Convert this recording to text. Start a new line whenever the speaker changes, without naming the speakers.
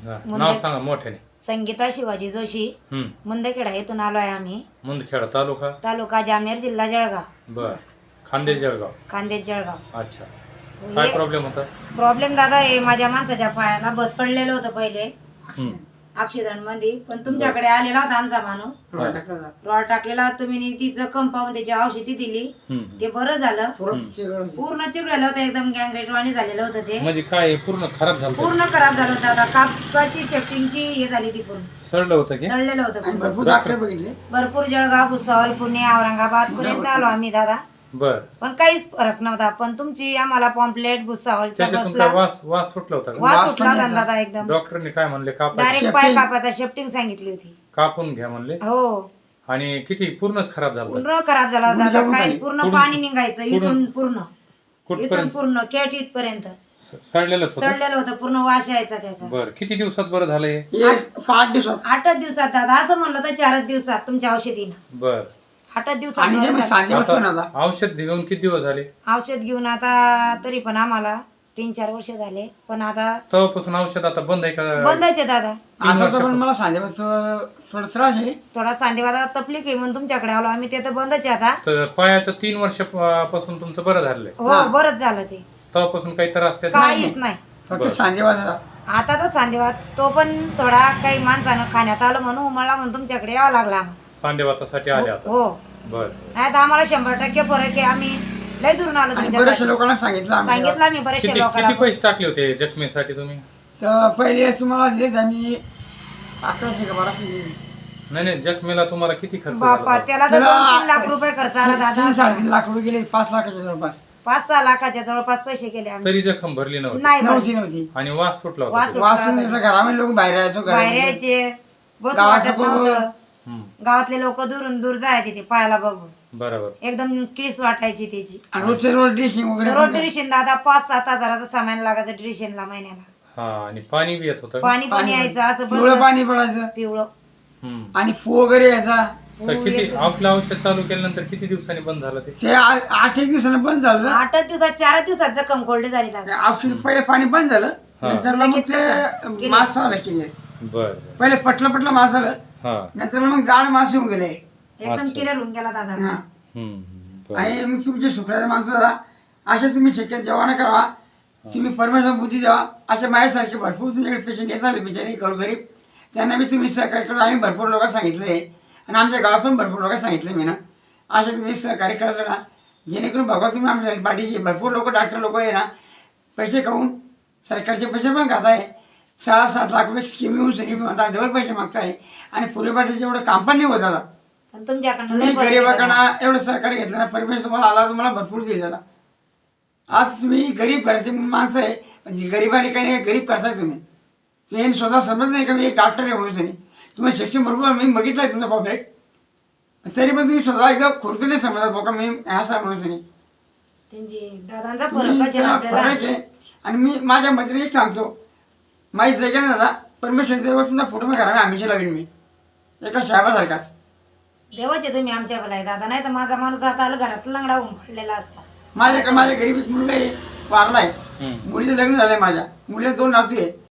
नाव सांगा मोठ्याने.
संगीता शिवाजी जोशी, मुंदखेडा येथून आलोय आम्ही.
मुंदखेडा
तालुका जामनेर, जिल्हा जळगाव.
बर. खानदेश
जळगाव.
अच्छा. काय प्रॉब्लेम होता?
प्रॉब्लेम दादा हे माझ्या माणसाच्या पायाला बत पडलेलं होतं पहिले ऍक्सिडेंट मध्ये, पण तुमच्याकडे आलेला होता आमचा माणूस. रॉड टाकलेला तुम्ही, ती जखम पाहून त्याची औषधी दिली, ते बरं झालं. पूर्ण चिघळलेलं होतं, एकदम गँग्रेटवाणी झालेलं होतं ते.
म्हणजे काय पूर्ण खराब झालं?
पूर्ण खराब झालं होतं दादा. कापाची शेफ्टिंगची हे झाली ती पूर्ण.
सडलं होतं की?
सडलेलं होतं.
भरपूर डॉक्टर बघितले,
भरपूर जळगाव, भुसावळ, पुणे, औरंगाबाद पर्यंत आलो आम्ही दादा.
बर.
पण काहीच फरक नव्हता. पण तुमची आम्हाला पॉम्पलेट भुसावळच्या बसला
वास सुटला होता का?
वास सुटला होता दादा एकदम.
डॉक्टरने काय म्हणले?
डायरेक्ट पाय कापायचा शेफ्टिंग सांगितली होती.
कापून घ्या म्हणले.
हो.
आणि किती पूर्णच खराब झालं?
पूर्ण खराब झाला दादा. काय पूर्ण पाणी निघायचं इथून पूर्ण
कुठपर्यंत?
पूर्ण केट इथपर्यंत
सडलेलं होतं.
सडलेलं होतं पूर्ण. वास यायचा त्याचा.
बर. किती दिवसात बरं झालं हे?
8 दिवसात.
8 दिवसात दादा. असं म्हणलं तर 4 दिवसात तुमच्या औषधीनं.
बर.
8 दिवसात
आणि
बरं झालं.
आता औषध घेऊन किती दिवस झाले?
औषध घेऊन आता तरी पण आम्हाला 3-4 वर्ष झाले. पण आता
तेव्हापासून औषध आता बंद आहे का?
बंदच आहे दादा.
आता तर पण मला सांगितलं थोडा त्रास आहे.
थोडा सांधेवादा तकलीफ आहे म्हणून तुमच्याकडे आलो आम्ही. ते तर बंदच आहे आता.
तर पायाचं 3 वर्षापासून तुमचं बरं झालंय?
हो बरंच झालं ते.
तेव्हापासून काही त्रास त्यात
काहीच नाही.
फक्त सांधेवादा.
आता तर सांधेवाद तो पण थोडा काही माणसानं खाण्यात आलं म्हणून मला म्हणून तुमच्याकडे यावं लागलं आम्हाला.
सांधेवातासाठी आले आता?
हो.
बर.
नाही तर आम्हाला 100% फरक आहे. आम्ही लय दुरून आलो
बऱ्याचशा
तुमच्याकडे.
लोकांना सांगितलं
आम्ही बरेचशे
किती
लोकांना.
पैसे टाकले होते जखमेसाठी तुम्ही?
तर पहिले तुम्हाला दिलेच आम्ही 1100 का 1200 दिले.
नाही, जखमेला तुम्हाला किती खर्च
बापा
झाला?
त्याला तर 2-3 लाख रुपये खर्च आला दादा.
3-3.5 लाख रुपये गेले. 5 लाखाच्या जवळपास.
5-6 लाखाच्या जवळपास पैसे गेले आम्ही.
तरी जखम भरली नव्हती?
नाही
नव्हती.
आणि वास सुटला
वास
होता?
सुटला.
घरामध्ये लोक बाहेर यायचो.
बाहेर यायचे, बस वाटत नव्हतं. गावातले लोक दुरून दूर जायचे ते पायाला बघून.
बरोबर.
एकदम किळीस वाटायची त्याची.
रोजचे रोज ड्रेसिंग वगैरे.
रोज ड्रेशन दादा 5-7 हजाराचं सामान लागायचं ड्रेशनला महिन्याला.
हा. आणि पाणी बी येत होतं?
पाणी पण यायचं असं
पिवळं पाणी पडायचं.
पिवळं.
आणि फू वगैरे यायचा.
तर किती आपलं औषध चालू केल्यानंतर किती दिवसांनी बंद झालं ते?
8-1 दिवसानं बंद झालं.
8 दिवसात 4 दिवसात जखम कोरडी झाली दादा.
औषध पहिले पाणी बंद झालं. नंतर मग ते मास आलं केले.
बर.
पहिले पटलं मास आलं. नंतर मग जाड मास येऊन गेले.
एकदम क्लिअर होऊन गेला दादा.
आणि मग तुमचे शुक्राचे माणसं दादा असे तुम्ही शक्य जेव्हा न करावा. तुम्ही परमेश्वर बुद्धी द्यावा. अशा माझ्यासारखे भरपूर तुमच्याकडे पेशंट येतात बिचारे गरीब. त्यांना मी तुम्ही सहकार्य करा. आम्ही भरपूर लोक सांगितले आणि आमच्या गावात पण भरपूर लोक सांगितले मी ना. असे तुम्ही सहकार्य करत राहा जेणेकरून बघा तुम्ही आमच्या पाठीचे भरपूर लोक डॉक्टर लोक आहे ना पैसे खाऊन सरकारचे पैसे पण खात आहे. 6-7 लाख रुपये स्कीम येऊन सगळी म्हणतात डबल पैसे मागताय आणि पुढे पाठीचे एवढं काम पण नाही होत दादा.
पण तुमच्याकडनं
तुम्ही गरिबाकडनं एवढं सहकार्य घेतलं ना परमेश्वर तुम्हाला आला तुम्हाला भरपूर देईल दादा. आज तुम्ही गरीब घराचे माणसं आहे पण गरिबाने काही नाही गरीब करताय तुम्ही. तुम्ही स्वतः समज नाही का मी एक डॉक्टर आहे म्हणून नाही. तुम्ही शिक्षण भरपूर मी बघितलं आहे तुमचा पॉपलेट तरी पण तुम्ही स्वतः एकदा खुर्तून नाही समजत बघा मी ह्या सा म्हणून नाही.
दादांचा
फरक आहे. आणि मी माझ्या मैत्रिणी एक सांगतो माहीत जायचं ना दादा परमेश्वर देवाचा फोटो मी घराने आम्हीची लावीन मी एका साहेबासारखाच.
देवाचे तुम्ही आमच्या भला दादा. नाही तर माझा माणूस आता आला घरात लंगडा होऊन पडलेला असता.
माझ्या गरीब एक मुलगा आहे वारला आहे. मुलीचं लग्न झालंय. माझ्या मुलीला 2 नातू आहे.